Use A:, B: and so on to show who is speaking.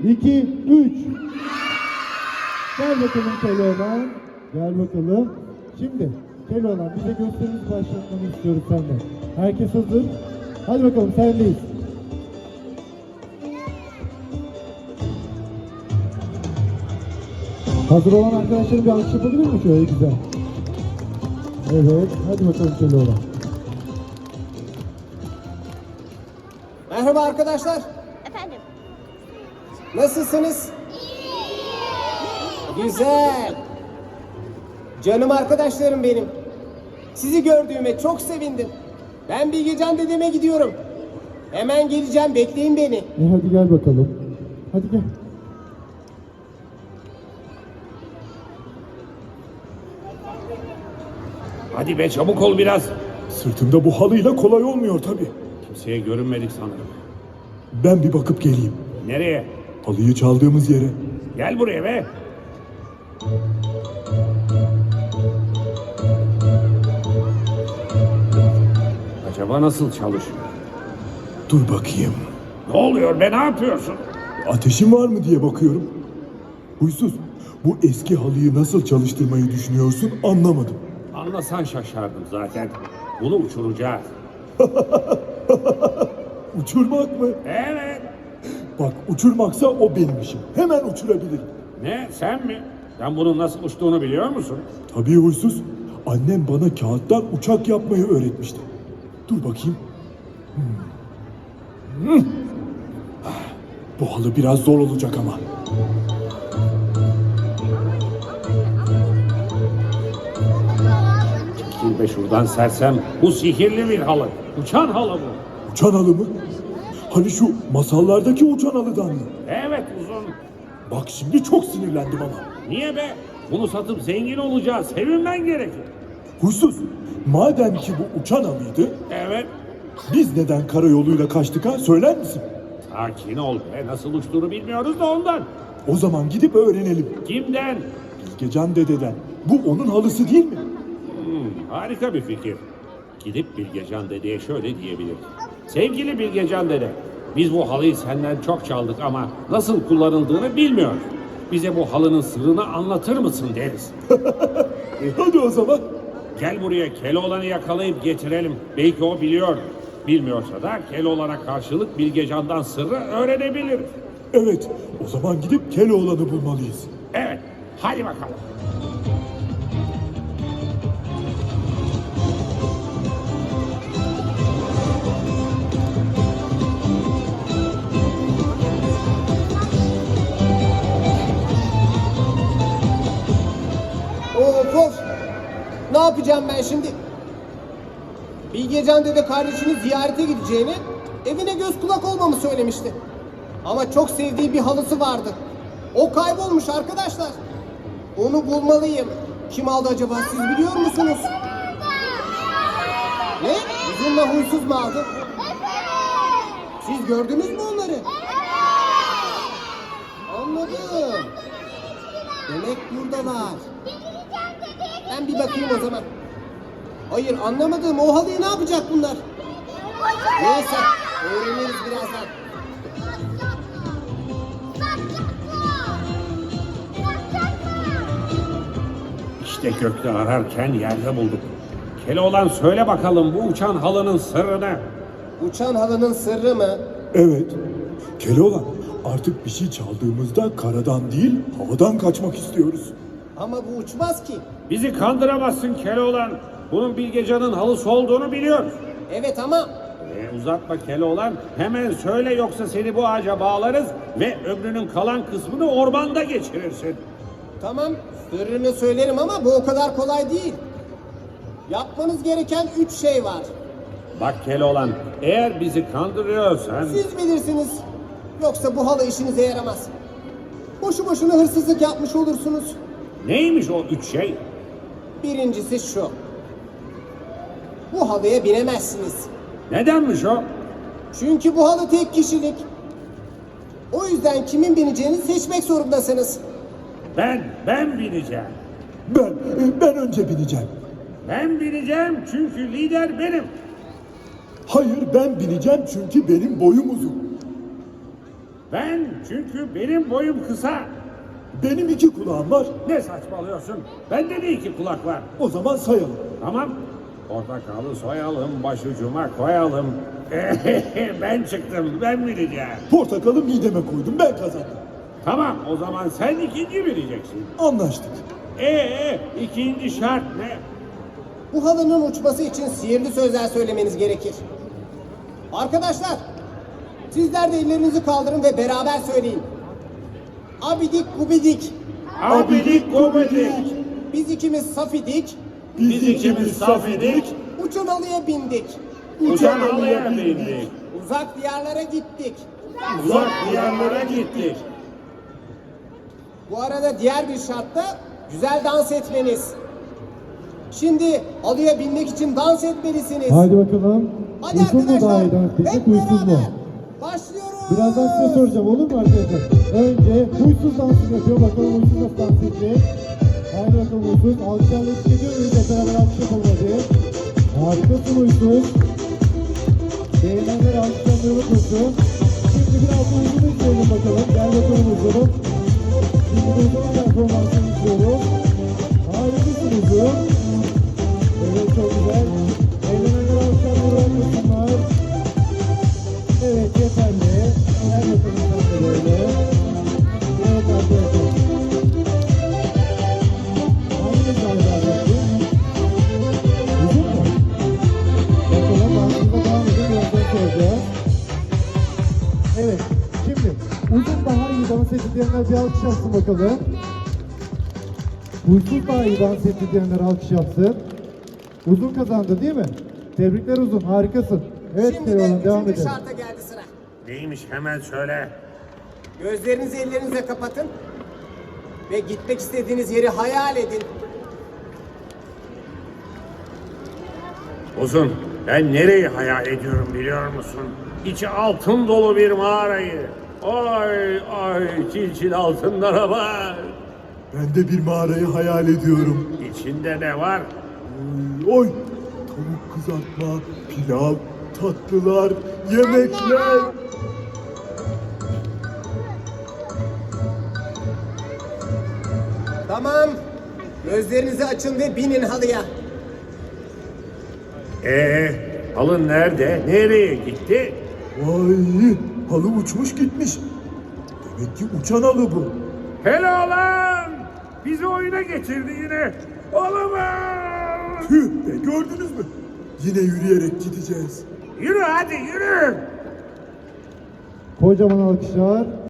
A: 2, 3. Gel bakalım Keloğlan. Gel bakalım. Şimdi Keloğlan bize gösterimizi başlatmanı istiyoruz senden. Herkes hazır. Hadi bakalım sendeyiz. Hazır olan arkadaşlarım bir alkış yapabilir mi şöyle güzel? Evet, hadi bakalım Keloğlan.
B: Merhaba arkadaşlar.
C: Efendim?
B: Nasılsınız? Güzel. Canım arkadaşlarım benim. Sizi gördüğüme çok sevindim. Ben Bilgecan dedeme gidiyorum. Hemen geleceğim, bekleyin beni.
A: Hadi gel bakalım. Hadi gel.
D: Hadi be çabuk ol biraz.
E: Sırtımda bu halıyla kolay olmuyor tabii.
D: Kimseye görünmedik sanırım.
E: Ben bir bakıp geleyim.
D: Nereye?
E: Halıyı çaldığımız yere.
D: Gel buraya be. Acaba nasıl çalışıyor?
E: Dur bakayım.
D: Ne oluyor be, ne yapıyorsun?
E: Ateşin var mı diye bakıyorum. Huysuz, bu eski halıyı nasıl çalıştırmayı düşünüyorsun anlamadım.
D: Anlasan şaşardım zaten. Bunu uçuracağız.
E: Uçurmak mı?
D: Evet.
E: Bak uçurmaksa o benim işim. Hemen uçurabilirim.
D: Ne, sen mi? Sen bunun nasıl uçtuğunu biliyor musun?
E: Tabii huysuz. Annem bana kağıttan uçak yapmayı öğretmişti. Dur bakayım. Bu halı biraz zor olacak ama.
D: Çekil be şuradan sersem. Bu sihirli bir halı. Uçan halı bu.
E: Uçan halı mı? Hani şu masallardaki uçan halıdan mı?
D: Evet, uzun.
E: Bak şimdi çok sinirlendim ama.
D: Niye be? Bunu satıp zengin olacağız. Sevinmen gerekir.
E: Huysuz, madem ki bu uçan halıydı,
D: Evet.
E: biz neden karayoluyla kaçtık ha? Söyler misin?
D: Sakin ol be. Nasıl uçtuğunu bilmiyoruz da ondan.
E: O zaman gidip öğrenelim.
D: Kimden?
E: Bilgecan dededen. Bu onun halısı değil mi?
D: Harika bir fikir. Gidip Bilgecan dedeye şöyle diyebiliriz. Sevgili Bilgecan dede, biz bu halıyı senden çok çaldık ama nasıl kullanıldığını bilmiyoruz. Bize bu halının sırrını anlatır mısın deriz.
E: Hadi o zaman.
D: Gel buraya, Keloğlan'ı yakalayıp getirelim. Belki o biliyor. Bilmiyorsa da Keloğlan'a karşılık Bilgecan'dan sırrı öğrenebiliriz.
E: Evet, o zaman gidip Keloğlan'ı bulmalıyız.
D: Evet, hadi bakalım.
B: Koş. Ne yapacağım ben şimdi? Bilgecan dede kardeşini ziyarete gideceğini, evine göz kulak olmamı söylemişti. Ama çok sevdiği bir halısı vardı. O kaybolmuş arkadaşlar. Onu bulmalıyım. Kim aldı acaba, siz biliyor musunuz? Ne? Uzunla huysuz mu aldı? Siz gördünüz mü onları? Anladım. Demek buradalar. Ben bir bakayım o zaman. Hayır, anlamadım. O halıyı ne yapacak bunlar? Neyse, öğreniriz birazdan.
D: İşte gökte ararken yerde bulduk. Keloğlan söyle bakalım bu uçan halının sırrını.
B: Uçan halının sırrı mı?
E: Evet, Keloğlan artık bir şey çaldığımızda karadan değil havadan kaçmak istiyoruz.
B: Ama bu uçmaz ki.
D: Bizi kandıramazsın Keloğlan. Bunun Bilgecan'ın halısı olduğunu biliyoruz.
B: Evet ama
D: Uzatma Keloğlan. Hemen söyle yoksa seni bu ağaca bağlarız ve ömrünün kalan kısmını ormanda geçirirsin.
B: tamam, sırrını söylerim ama bu o kadar kolay değil. Yapmanız gereken 3 şey var.
D: Bak Keloğlan, eğer bizi kandırıyorsan...
B: Siz bilirsiniz. Yoksa bu halı işinize yaramaz. Boşu boşuna hırsızlık yapmış olursunuz.
D: Neymiş o 3 şey?
B: Birincisi şu. Bu halıya binemezsiniz.
D: Nedenmiş o?
B: Çünkü bu halı tek kişilik. O yüzden kimin bineceğini seçmek zorundasınız.
D: Ben bineceğim.
E: Ben önce bineceğim.
D: Ben bineceğim çünkü lider benim.
E: Hayır ben bineceğim çünkü benim boyum uzun.
D: Ben çünkü benim boyum kısa.
E: Benim 2 kulağım var.
D: Ne saçmalıyorsun? Bende de 2 kulak var.
E: O zaman sayalım.
D: Tamam. Portakalı soyalım, başucuma koyalım. Ben çıktım, ben bileceğim.
E: Portakalı mideme koydum, ben kazandım.
D: Tamam, o zaman sen ikinci bileceksin.
E: Anlaştık.
D: İkinci şart ne?
B: Bu halının uçması için sihirli sözler söylemeniz gerekir. Arkadaşlar, sizler de ellerinizi kaldırın ve beraber söyleyin. Abidik gubidik,
D: Abidik gubidik,
B: biz ikimiz saf idik,
D: biz ikimiz saf idik,
B: uçan halıya bindik,
D: uçan halıya bindik,
B: uzak diyarlara gittik.
D: uzak diyarlara gittik.
B: Bu arada diğer bir şart da güzel dans etmeniz. Şimdi halıya binmek için dans etmelisiniz.
A: Haydi bakalım.
B: Hadi
A: Uysuz mu
B: arkadaşlar,
A: daha iyi dans
B: hep
A: edecek, huysuz mu?
B: beraber başlıyoruz.
A: Birazdan size soracağım, olur mu arkadaşlar? Önce huysuz dansını yapıyor. Bakalım huysuz nasıl dans edecek? Haydi bakalım huysuz. Alkışlarla eşlik ediyor muyuz? Hep beraber alkış yapalım hadi. Harikasın huysuz. Beğenenler alkışlanmayı unutmasın. Şimdi biraz da huysuz izleyelim bakalım. Gel bakalım huysuzum. Şimdi huysuzun performansını izliyoruz. Harikasın huysuz. Evet, çok güzel. Eğlenenler alkışlanmayı unutmasınlar. Evet, yeterli. Her bakalım sen de böyle. Evet arkadaşlar. Hangi galiba yaptı? Uzun mu? Bakalım dansımıza devam edin. Birazdan soracağız. Evet. Şimdi uzun daha iyi dans etti diyenler bir alkış yapsın bakalım. Huysuz daha iyi dans etti diyenler alkış yapsın. Uzun kazandı değil mi? Tebrikler Uzun. Harikasın. Evet
B: Şimdi
A: Keloğlan,
B: de
A: devam
B: üçüncü
A: edelim.
B: şarta geldi sıra.
D: Neymiş hemen söyle.
B: Gözlerinizi ellerinizle kapatın. Ve gitmek istediğiniz yeri hayal edin.
D: Uzun, ben nereyi hayal ediyorum biliyor musun? İçi altın dolu bir mağarayı. Ay ay çil altınlara bak.
E: Ben de bir mağarayı hayal ediyorum.
D: İçinde ne var?
E: Oy, tavuk kızartma, pilav, tatlılar, yemekler.
B: Tamam. Gözlerinizi açın ve binin halıya.
D: Halın nerede? Nereye gitti?
E: Vay, halı uçmuş gitmiş. Demek ki uçan halı bu.
D: Helal lan! Bizi oyuna getirdi yine. Olamaz!
E: Tüh be, gördünüz mü? Yine yürüyerek gideceğiz.
D: Yürü hadi yürü!
A: Kocaman alkışlar.